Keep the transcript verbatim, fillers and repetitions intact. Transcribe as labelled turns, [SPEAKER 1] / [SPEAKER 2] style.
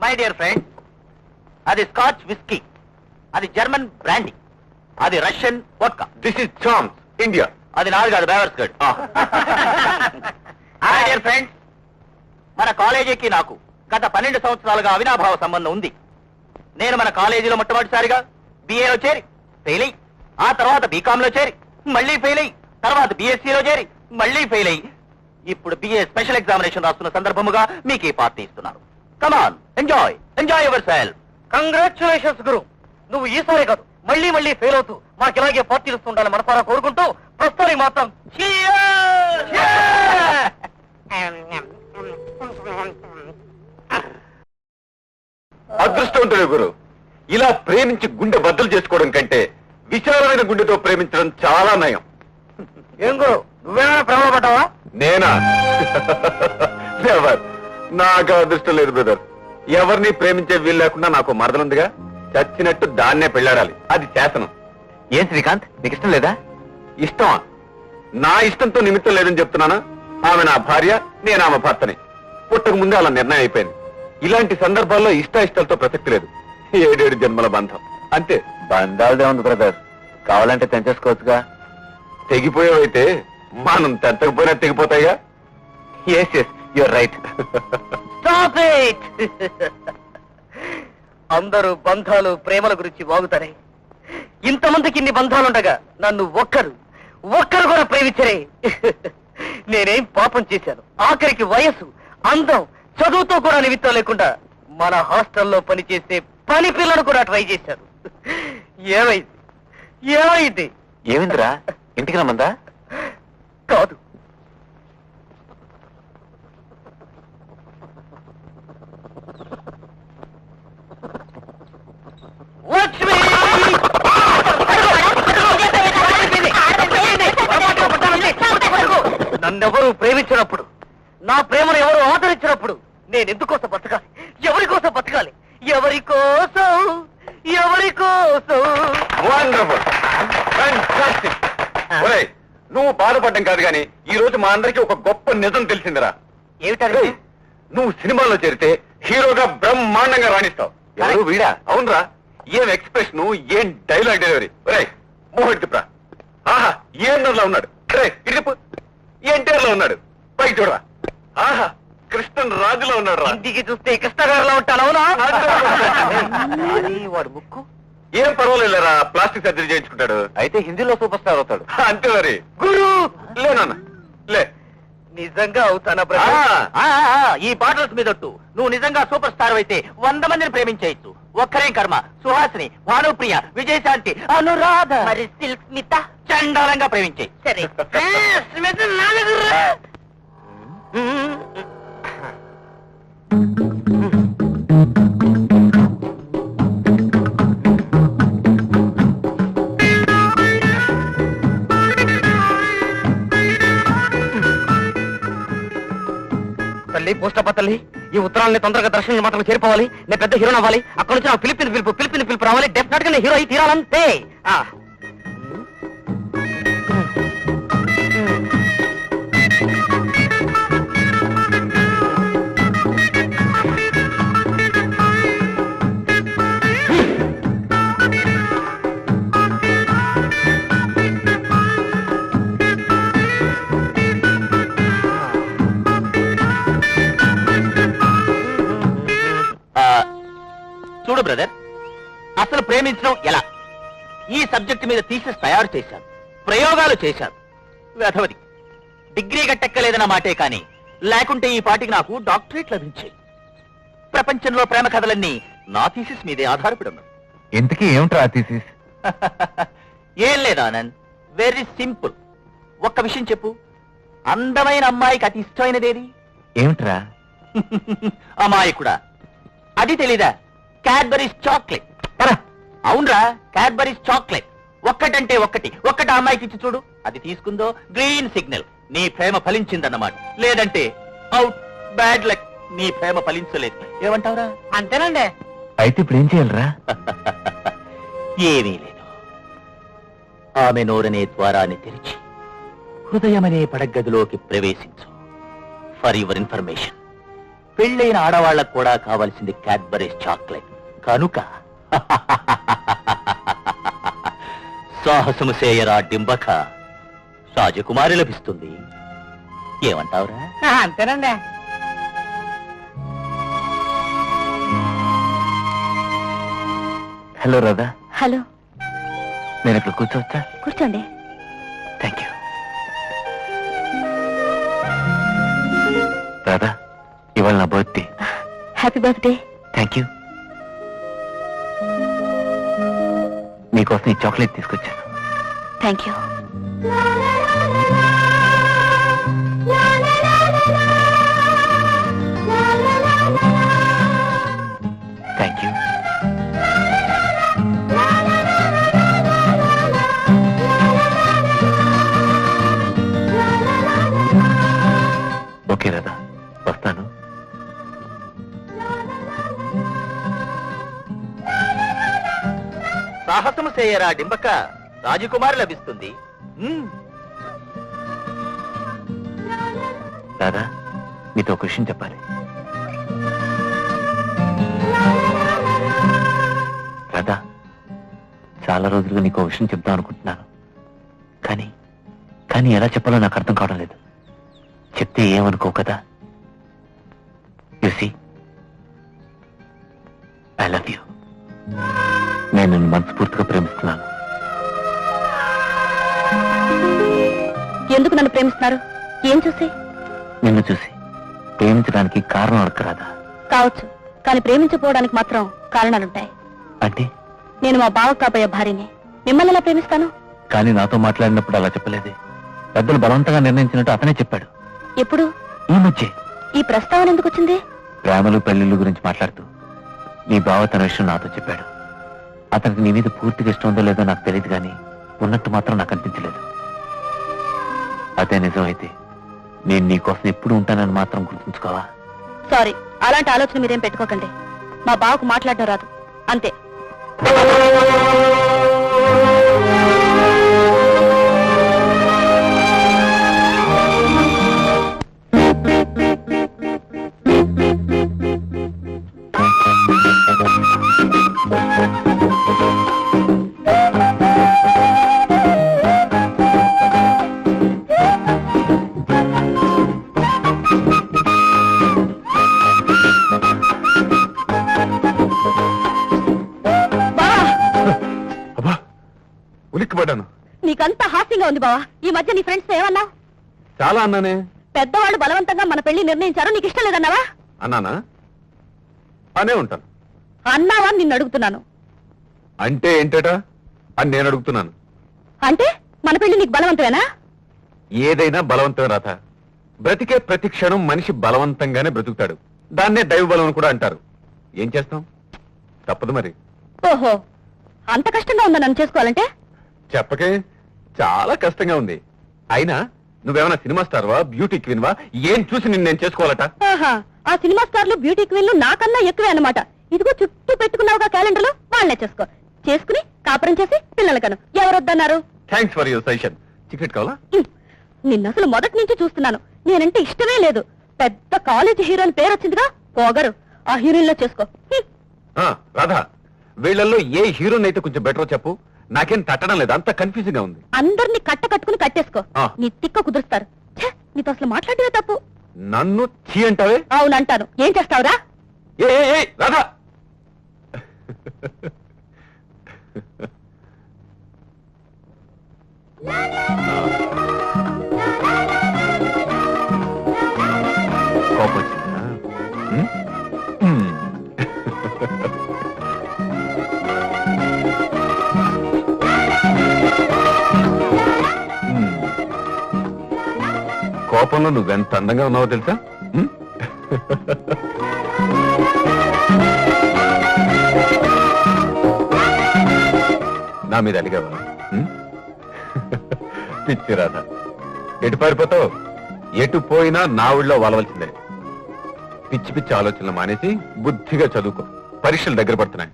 [SPEAKER 1] My dear friend, అది scotch whisky, అది German brandy, అది Russian vodka.
[SPEAKER 2] This is champs India.
[SPEAKER 1] అది నాది కాదు, బేవర్స్ గడ్. మై డియర్ ఫ్రెండ్స్, మన కాలేజీకి నాకు గత పన్నెండు సంవత్సరాలుగా అవినాభావ సంబంధం ఉంది. నేను మన కాలేజీలో మొట్టమొదటిసారిగా బిఏలో చేరి ఫెయిల్ అయ్యి, ఆ తర్వాత బీకాంలో చేరి మళ్ళీ ఫెయిల్ అయ్యి, తర్వాత బిఎస్సీలో చేరి మళ్ళీ ఫెయిల్ అయ్యి, ఇప్పుడు బిఏ స్పెషల్ ఎగ్జామినేషన్ రాస్తున్న సందర్భముగా మీకు ఈ పార్టీ ఇస్తున్నాను. Come on, enjoy enjoy yourself.
[SPEAKER 3] Congratulations గురు, నువ్వు ఈసారి కాదు మళ్ళీ మళ్ళీ ఫెయిల్ అవుతూ మాకు ఇలాగే పార్టీలు ఇస్తుండాలని మనసారా కోరుకుంటూ ప్రస్తుతానికి మాత్రం
[SPEAKER 2] అదృష్టవంతుడు గురు. ఇలా ప్రేమించి గుండె బద్దలు చేసుకోవడం కంటే విశాలమైన గుండెతో ప్రేమించడం చాలా నయం.
[SPEAKER 3] ఏం గురు, నువ్వేమైనా ప్రేమ పడ్డావా?
[SPEAKER 2] నేనా? ఎవరు? నాకు అదృష్టం లేదు బ్రదర్. ఎవరిని ప్రేమించే వీలు లేకుండా నాకు మరదలుందిగా, చచ్చినట్టు దాన్నే పెళ్ళాడాలి. అది శాసనం.
[SPEAKER 1] ఏం శ్రీకాంత్, నీకు ఇష్టం లేదా?
[SPEAKER 2] ఇష్టమా? నా ఇష్టంతో నిమిత్తం లేదని చెప్తున్నానా? ఆమె నా భార్య, నేను ఆమె భర్తని. పుట్టక ముందే అలా నిర్ణయం అయిపోయింది. ఇలాంటి సందర్భాల్లో ఇష్ట ఇష్టాలతో ప్రసక్తి లేదు. ఏడేడు జన్మల బంధం అంతే.
[SPEAKER 1] బంధాలదే ఉంది బ్రదర్, కావాలంటే తెంచేసుకోవచ్చుగా.
[SPEAKER 2] తెగిపోయావైతే మనం తెంచకపోయినా తెగిపోతాయిగా.
[SPEAKER 1] Yes yes your right.
[SPEAKER 3] Stop it! అందరూ బంధాలు ప్రేమల గురించి వాగుతారే, ఇంతమందికి ఇన్ని బంధాలుండగా నన్ను ఒక్కరు ఒక్కరు కూడా ప్రేమించరే. నేనేం పాపం చేశాను? ఆఖరికి వయసు, అందం, చదువుతో కూడా నిమిత్తం లేకుండా మన హాస్టల్లో పనిచేసే పని పిల్లలు కూడా ట్రై చేశారు. ఏమైంది ఏమైంది?
[SPEAKER 1] ఏమిందిరా, ఇంటికి రమ్మందా?
[SPEAKER 3] కాదు, లక్ష్మి! నన్నెవరూ ప్రేమించినప్పుడు, నా ప్రేమను ఎవరు ఆదరించినప్పుడు నేను ఎందుకోసం బతకాలి? ఎవరి కోసం బతకాలి? ఎవరి కోసం ఎవరి కోసం?
[SPEAKER 2] Wonderful, fantastic. ఒరేయ్, నువ్వు బాధపడ్డం కాదు గాని ఈ రోజు మా అందరికీ ఒక గొప్ప నిజం తెలిసిందిరా.
[SPEAKER 3] ఏమిటది?
[SPEAKER 2] నువ్వు సినిమాలో చేరితే హీరోగా బ్రహ్మాండంగా రాణిస్తావు.
[SPEAKER 1] ఎవరు వీడా?
[SPEAKER 2] అవునరా, ఏం ఎక్స్ప్రెషన్, ఏం డైలాగ్ డెలివరీ. ఒరేయ్, మోహిత్ తిప్రా. ఆహా, ఏఎన్ఆర్ లో ఉన్నాడు. రే ఇటుపు, ఎన్టీఆర్ లో ఉన్నాడు. పైకి చూడరా. ఆహా, కృష్ణన్ రాజులో ఉన్నాడు రా.
[SPEAKER 3] ఇంటికి చూస్తే కృష్ణగారిలో ఉంటాను. అవునా?
[SPEAKER 1] వాడు ముక్కు
[SPEAKER 2] ఏం పర్వాలేదురా, ప్లాస్టిక్ సర్జరీ చేయించుకుంటాడు.
[SPEAKER 1] అయితే హిందీలో సూపర్ స్టార్ అవుతాడు.
[SPEAKER 2] అంతే మరి. గురు లేనన్న లే.
[SPEAKER 3] నిజంగా అవుతానా
[SPEAKER 2] ఆ,
[SPEAKER 3] బ్రదర్?
[SPEAKER 1] ఆ, ఆ, ఈ బాటల్స్ మీదొట్టు నువ్వు నిజంగా సూపర్ స్టార్ అయితే వంద మందిని ప్రేమించేయచ్చు. ఒక్కరేం కర్మ, సుహాసిని, భానుప్రియ, విజయశాంతి, అనురాధ,
[SPEAKER 3] మరి సిల్క్ స్మిత
[SPEAKER 1] చండాలంగా ప్రేమించే.
[SPEAKER 3] సరే. స్మిత నాలుగు. తల్లి పోస్టప్ప తల్లి, ఈ ఉత్తరాలని తొందరగా దర్శనం మాత్రం చేరిపోవాలి. నేను పెద్ద హీరో అవ్వాలి. అక్కడ నుంచి నాకు ఫిలిపిన్ పిలుపు ఫిలిపిన్ పిలుపు రావాలి. డెఫినెట్ గా నేను హీరో అయి తీరాలంతే. ఆ.
[SPEAKER 1] చూడు బ్రదర్, అసలు ప్రేమించడం ఎలా, ఈ సబ్జెక్ట్ మీద థీసిస్ తయారు చేశాను, ప్రయోగాలు చేశాను. వెధవది డిగ్రీ గట్టెక్కలేదన్న మాటే కానీ లేకుంటే ఈ పాటికి నాకు డాక్టరేట్ లభించాయి. ప్రపంచంలో ప్రేమ కథలన్నీ నా థీసిస్ మీదే ఆధారపడి ఉన్నాయి.
[SPEAKER 2] ఇంతకీ ఏమిట్రా థీసిస్?
[SPEAKER 1] ఏం లేదు ఆనంద్, వెరీ సింపుల్. ఒక్క విషయం చెప్పు, అందమైన అమ్మాయికి అతి ఇష్టమైనదేది?
[SPEAKER 2] ఏమిట్రా?
[SPEAKER 1] అమ్మాయికుడా, అది తెలీదా? Cadbury's chocolate. అవునరా, క్యాడ్బరీస్ చాక్లెట్. ఒక్కటంటే ఒక్కటి ఒక్కటి అమ్మాయికి ఇచ్చి చూడు, అది తీసుకుందో గ్రీన్ సిగ్నల్, నీ ప్రేమ ఫలించిందన్నమాట. లేదంటే అవుట్, బ్యాడ్ లక్, నీ ప్రేమ ఫలించలేదు. ఏమంటావురా?
[SPEAKER 3] అంతేనండి.
[SPEAKER 2] అయితే ఇప్పుడు ఏం చేయాలరా?
[SPEAKER 1] ఏమీ లేదు, ఆమె నోరనే ద్వారాన్ని తెరిచి హృదయమనే పడగదిలోకి ప్రవేశించు. ఫర్ యువర్ ఇన్ఫర్మేషన్, పెళ్ళైన ఆడవాళ్లకు కూడా కావాల్సింది క్యాడ్బరీస్ చాక్లెట్ కనుక సాహసము చేయరా డింబక, రాజకుమారి లభిస్తుంది. ఏమంటావురా?
[SPEAKER 3] అంతేనండి.
[SPEAKER 2] హలో రాధా.
[SPEAKER 4] హలో,
[SPEAKER 2] నేను ఇక్కడ కూర్చోవచ్చా?
[SPEAKER 4] కూర్చోండి.
[SPEAKER 2] Thank you. రాధా, ఇవాళ నా birthday.
[SPEAKER 4] Happy birthday.
[SPEAKER 2] Thank you. మీకోసం ఈ చాక్లెట్ తీసుకొచ్చాను.
[SPEAKER 4] Thank you.
[SPEAKER 2] Thank you. Okay Radha, వస్తాను.
[SPEAKER 1] సాహసము చేయరా డింబక, రాజకుమారి లభిస్తుంది. మ్మ్.
[SPEAKER 2] రాధా, మీతో ఒక విషయం చెప్పాలి. రాధా, చాలా రోజులుగా నీకు ఒక విషయం చెప్దాం అనుకుంటున్నాను, కానీ కానీ ఎలా చెప్పాలో నాకు అర్థం కావడం లేదు. చెప్తే ఏమనుకో కదా. You see, I love you. నేను నిన్ను మనస్ఫూర్తిగా ప్రేమిస్తున్నాను.
[SPEAKER 4] ఎందుకు నన్ను ప్రేమిస్తున్నారు? ఏం చూసి?
[SPEAKER 2] నిన్ను చూసి ప్రేమించడానికి కారణం అడగరాదా?
[SPEAKER 4] కావచ్చు, కానీ ప్రేమించకపోవడానికి మాత్రం కారణాలుంటాయి.
[SPEAKER 2] అంటే?
[SPEAKER 4] నేను మా బావ కాబోయే భార్యని, మిమ్మల్ని ఎలా ప్రేమిస్తాను?
[SPEAKER 2] కానీ నాతో మాట్లాడినప్పుడు అలా చెప్పలేదే. పెద్దలు బలవంతంగా నిర్ణయించినట్టు అతనే చెప్పాడు.
[SPEAKER 4] ఎప్పుడు?
[SPEAKER 2] ఈ మధ్య.
[SPEAKER 4] ఈ ప్రస్తావన ఎందుకు వచ్చింది?
[SPEAKER 2] ప్రేమలు పెళ్లిళ్ళు గురించి మాట్లాడుతూ నీ బావ తన విషయం నాతో చెప్పాడు. అతనికి నీ మీద పూర్తిగా ఇష్టం ఉందో లేదో నాకు తెలియదు, కానీ ఉన్నట్టు మాత్రం నాకు అనిపించలేదు. అదే నిజం అయితే నేను నీకోసం ఎప్పుడు ఉంటానని మాత్రం గుర్తుంచుకోవా?
[SPEAKER 4] సారీ, అలాంటి ఆలోచన మీరేం పెట్టుకోకండి. మా బావకు మాట్లాడడం రాదు, అంతే.
[SPEAKER 2] ఉలిక్కిపడ్డాను.
[SPEAKER 4] నీకంతా హాస్యంగా ఉంది బావా. ఈ మధ్య నీ ఫ్రెండ్స్ ఏమన్నా?
[SPEAKER 2] చాలా అన్నానే.
[SPEAKER 4] పెద్దవాళ్ళు బలవంతంగా మన పెళ్లి నిర్ణయించారు, నీకు ఇష్టం లేదన్నావా?
[SPEAKER 2] అన్నానా? అనే ఉంటాను.
[SPEAKER 4] అన్నావా నిన్ను అడుగుతున్నాను.
[SPEAKER 2] అంటే ఏంటట అని నేను అడుగుతున్నాను.
[SPEAKER 4] అంటే మన పెళ్లి నీకు బలవంతమేనా?
[SPEAKER 2] ఏదైనా బలవంతమే రాత. బ్రతికే ప్రతి క్షణం మనిషి బలవంతంగానే బ్రతుకుతాడు. దాన్నే దైవ బలం అని కూడా అంటారు. ఏం చేస్తాం, తప్పదు మరి.
[SPEAKER 4] ఓహో, అంత కష్టంగా ఉందా నన్ను చేసుకోవాలంటే?
[SPEAKER 2] చెప్పకే, చాలా కష్టంగా ఉంది. అయినా నువ్వేమైనా సినిమా స్టార్వా, బ్యూటీ క్వీన్వా? ఏం చూసి నిన్ను నేను చేసుకోవాలట?
[SPEAKER 4] ఆహా, ఆ సినిమా స్టార్లు బ్యూటీ క్వీన్లు నాకన్నా ఎక్కువే అన్నమాట. ఇదిగో చుట్టూ పెట్టుకున్నావుగా క్యాలెండర్లో, వాళ్ళనే చేసుకో. చేసుకుని కాపురం చేసి పిల్లల కను. ఎవరొద్దన్నారు?
[SPEAKER 2] Thanks for your suggestion. Ticket కావాలా?
[SPEAKER 4] నిన్ను అసలు మొదటి నుంచి చూస్తున్నాను. నేనంటే ఇష్టమే లేదు. పెద్ద కాలేజీ హీరోయిన్ పేరు వచ్చిందిగా, పోగరు. ఆ హీరోయిన్ లో చేసుకో.
[SPEAKER 2] ఆ, రాధా, వీళ్ళల్లో ఏ హీరోని అయితే కొంచెం బెటర్ చెప్పు. నాకేం తట్టడం లేదు, అంత కన్ఫ్యూజింగ్ గా ఉంది.
[SPEAKER 4] అందరినీ కట్ట కట్టుకుని కట్టేసుకో.
[SPEAKER 2] ఆ.
[SPEAKER 4] నీ తిక్క కుదురుస్తారు. ఛే, నీతో అసలు మాట్లాడేదే తప్పు.
[SPEAKER 2] నన్ను చీ అంటావే?
[SPEAKER 4] అవునంటాను. ఏం చేస్తావురా?
[SPEAKER 2] ఏ ఏ, ఏ, రాధా! కోపం వచ్చిందా? ఉమ్? ఉమ్. ఉమ్. కోపంలో నువ్వెంత అందంగా ఉన్నావో తెలుసా? ఉమ్? నా మీద అడిగావా? ఉమ్? పిచ్చి రాధా, ఎటు పారిపోతావు? ఎటు పోయినా నా ఊళ్ళో వాలవలసిందే. పిచ్చి పిచ్చి ఆలోచనలు మానేసి బుద్ధిగా చదువుకో. పరీక్షలు దగ్గర పడుతున్నాయి.